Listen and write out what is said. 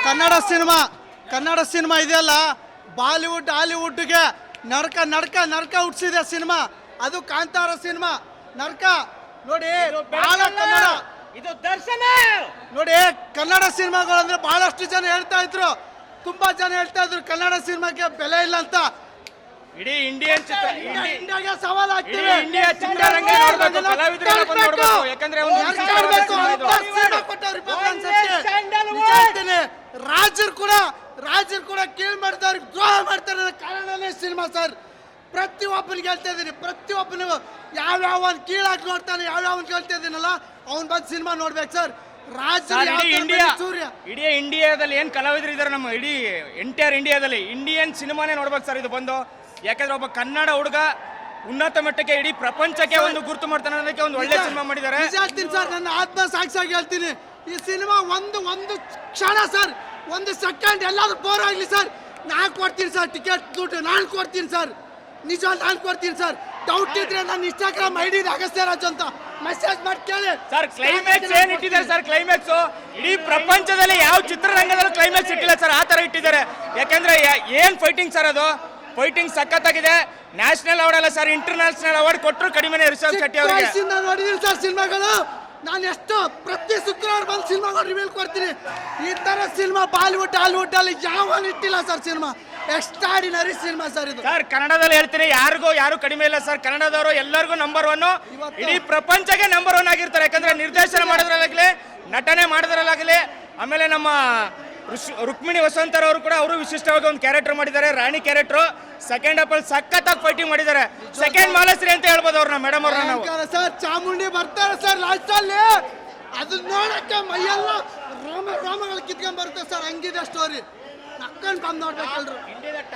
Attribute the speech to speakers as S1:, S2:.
S1: Kannada cinema ಇದೆಯಲ್ಲ, Bollywood ಹಾಲಿವುಡ್ಗೆ ನಡ್ಕ ಹುಟ್ಟಿಸಿದೆ ಸಿನಿಮಾ. ಅದು ಕಾಂತಾರ ಸಿನಿಮಾ ನಡ್ಕ ನೋಡಿ. ಬಹಳ ಕನ್ನಡ
S2: ಇದು ದರ್ಶನ
S1: ನೋಡಿ. ಕನ್ನಡ ಸಿನಿಮಾಗಳು ಅಂದ್ರೆ ಬಹಳಷ್ಟು ಜನ ಹೇಳ್ತಾ ಇದ್ರು, ತುಂಬಾ ಜನ ಹೇಳ್ತಾ ಇದ್ರು ಕನ್ನಡ ಸಿನಿಮಾಕ್ಕೆ ಬೆಲೆ ಇಲ್ಲ ಅಂತ.
S2: ಇಡೀ ಇಂಡಿಯನ್
S1: ಇಂಡಿಯಾಗೆ ಸವಾಲ್ ಆಗ್ತಿದೆ.
S2: ಇಂಡಿಯಾ ಚಿತ್ರರಂಗ ನೋಡ್ಬೇಕು, ಕಲಾವಿದರೆಲ್ಲ ಬಂದು ನೋಡ್ಬೇಕು. ಯಾಕಂದ್ರೆ ಒಂದು ರಾಜರು ಕೂಡ ಕೀಳ್ ಮಾಡ್ತಾರೆ, ದ್ರೋಹ ಮಾಡ್ತಾರೆ ಕಾರಣನೇ ಸಿನಿಮಾ ಸರ್. ಪ್ರತಿಯೊಬ್ಬನಿಗೆ ಹೇಳ್ತಾ ಇದ್ದೀನಿ, ಪ್ರತಿಯೊಬ್ಬನಿಗೂ ಯಾವ್ಯಾವ ಕೀಳಾಗಿ ನೋಡ್ತಾನೆ, ಯಾವ್ಯಾವ ಹೇಳ್ತಾ ಇದ್ದೀನಲ್ಲ, ಅವ್ನು ಬಂದು ಸಿನಿಮಾ ನೋಡ್ಬೇಕು ಸರ್. ಇಡೀ ಇಂಡಿಯಾದಲ್ಲಿ ಏನ್ ಕಲಾವಿದರು ಇದಾರೆ, ನಮ್ಮ ಇಡೀ ಎಂಟೈರ್ ಇಂಡಿಯಾದಲ್ಲಿ ಇಂಡಿಯನ್ ಸಿನಿಮಾನೇ ನೋಡ್ಬೇಕು ಸರ್ ಇದು ಬಂದು. ಯಾಕಂದ್ರೆ ಒಬ್ಬ ಕನ್ನಡ ಹುಡುಗ ಉನ್ನತ ಮಟ್ಟಕ್ಕೆ ಇಡೀ ಪ್ರಪಂಚಕ್ಕೆ ಒಂದು ಗುರುತು ಮಾಡ್ತಾನೆ ಅನ್ನೋದಕ್ಕೆ ಒಂದು ಒಳ್ಳೆ ಸಿನಿಮಾ ಮಾಡಿದ್ದಾರೆ.
S1: ಹೇಳ್ತೀನಿ ಸರ್, ನನ್ನ ಆತ್ಮ ಸಾಕ್ಷಿಯಾಗಿ ಹೇಳ್ತೀನಿ, ಈ ಸಿನಿಮಾ ಒಂದು ಕ್ಷಣ ಸರ್, ಒಂದು ಸೆಕೆಂಡ್ ಎಲ್ಲಾದ್ರೂ ಬೋರ್ ಆಗ್ಲಿ ಸರ್, ನಾನು ಕೊಡ್ತೀನಿ ಸರ್ ಟಿಕೆಟ್ ದುಡ್ಡು, ನಾನು ಕೊಡ್ತೀನಿ ಸರ್, ನಿಜ ನಾನು ಕೊಡ್ತೀನಿ ಸರ್. ಡೌಟ್ ಇದ್ರೆ ನನ್ನ ಇನ್ಸ್ಟಾಗ್ರಾಮ್ ಐಡಿ ಅಗಸ್ತ್ಯ ರಾಜ್ ಅಂತ ಮೆಸೇಜ್ ಮಾಡಿ ಕೇಳಿ
S2: ಸರ್. ಕ್ಲೈಮ್ಯಾಕ್ಸ್ ಏನ್ ಇಟ್ಟಿದ್ದಾರೆ ಸರ್, ಕ್ಲೈಮ್ಯಾಕ್ಸ್ ಇಡೀ ಪ್ರಪಂಚದಲ್ಲಿ ಯಾವ ಚಿತ್ರರಂಗದಲ್ಲೂ ಕ್ಲೈಮ್ಯಾಕ್ಸ್ ಇಟ್ಟಿಲ್ಲ ಸರ್, ಆ ತರ ಇಟ್ಟಿದ್ದಾರೆ. ಯಾಕಂದ್ರೆ ಏನ್ ಫೈಟಿಂಗ್ ಸರ್, ಅದು ಫೈಟಿಂಗ್ ಸಖತ್ತಾಗಿದೆ. ನ್ಯಾಷನಲ್ ಅವಾರ್ಡ್ ಅಲ್ಲ ಸರ್, ಇಂಟರ್ನ್ಯಾಷನಲ್ ಅವಾರ್ಡ್ ಕೊಟ್ಟರು ಕಡಿಮೆನೆ ರಿಷಬ್ ಶೆಟ್ಟಿ ಅವರಿಗೆ.
S1: ನೋಡಿದೀನಿ ಸರ್ ಸಿನಿಮಾಗಳು, ನಾನು ಎಷ್ಟು ಪ್ರತಿ ಶುಕ್ರವಾರ ಬಂದು ಸಿನಿಮಾಗಳು ರಿವೀಲ್ ಕೊಡ್ತೀನಿ. ಈ ತರ ಸಿನಿಮಾ ಬಾಲಿವುಡ್ ಹಾಲಿವುಡ್ ಅಲ್ಲಿ ಯಾವ ಇಟ್ಟಿಲ್ಲ sir cinema. Extraordinary cinema sir ಇದು.
S2: ಸರ್ ಕನ್ನಡದಲ್ಲಿ ಹೇಳ್ತೀನಿ, ಯಾರು ಕಡಿಮೆ ಇಲ್ಲ ಸರ್. ಕನ್ನಡದವರು ಎಲ್ಲರಿಗೂ ನಂಬರ್ 1, ಇಡೀ ಪ್ರಪಂಚಕ್ಕೆ ನಂಬರ್ 1 ಆಗಿರ್ತಾರೆ. ಯಾಕಂದ್ರೆ ನಿರ್ದೇಶನ ಮಾಡೋದ್ರಲ್ಲಾಗಲಿ, ನಟನೆ ಮಾಡೋದ್ರಲ್ಲಾಗಲಿ, ಆಮೇಲೆ ನಮ್ಮ ರುಕ್ಮಿಣಿ ವಸಂತರವರು ಕೂಡ ಅವರು ವಿಶಿಷ್ಟವಾಗಿ ಒಂದು ಕ್ಯಾರೆಕ್ಟರ್ ಮಾಡಿದ್ದಾರೆ, ರಾಣಿ ಕ್ಯಾರೆಕ್ಟರ್. ಸೆಕೆಂಡ್ ಹಾಫ್ ಅಲ್ಲಿ ಸಖತ್ತಾಗಿ ಫೈಟಿಂಗ್ ಮಾಡಿದ್ದಾರೆ. ಸೆಕೆಂಡ್ ಮಾಲಶ್ರೀ ಅಂತ ಹೇಳ್ಬೋದು ಅವ್ರನ್ನ, ಮೇಡಮ್ ಅವ್ರನ್ನ.
S1: ಸರ್ ಚಾಮುಂಡಿ ಬರ್ತಾರೆ ಸರ್ ಲಾಸ್ಟ್ ಅಲ್ಲಿ, ಅದನ್ನ ನೋಡಕ್ಕೆ ಮೈಯೆಲ್ಲ ರೋಮಗಳು ಕಿತ್ಕೊಂಡ್ ಬರುತ್ತೆ ಸರ್, ಹಂಗಿದೆ ಸ್ಟೋರಿ. ನಕ್ಕೊಂಡ್ ಬಂದ್ ನೋಡ್ಬೇಕು ಎಲ್ರು.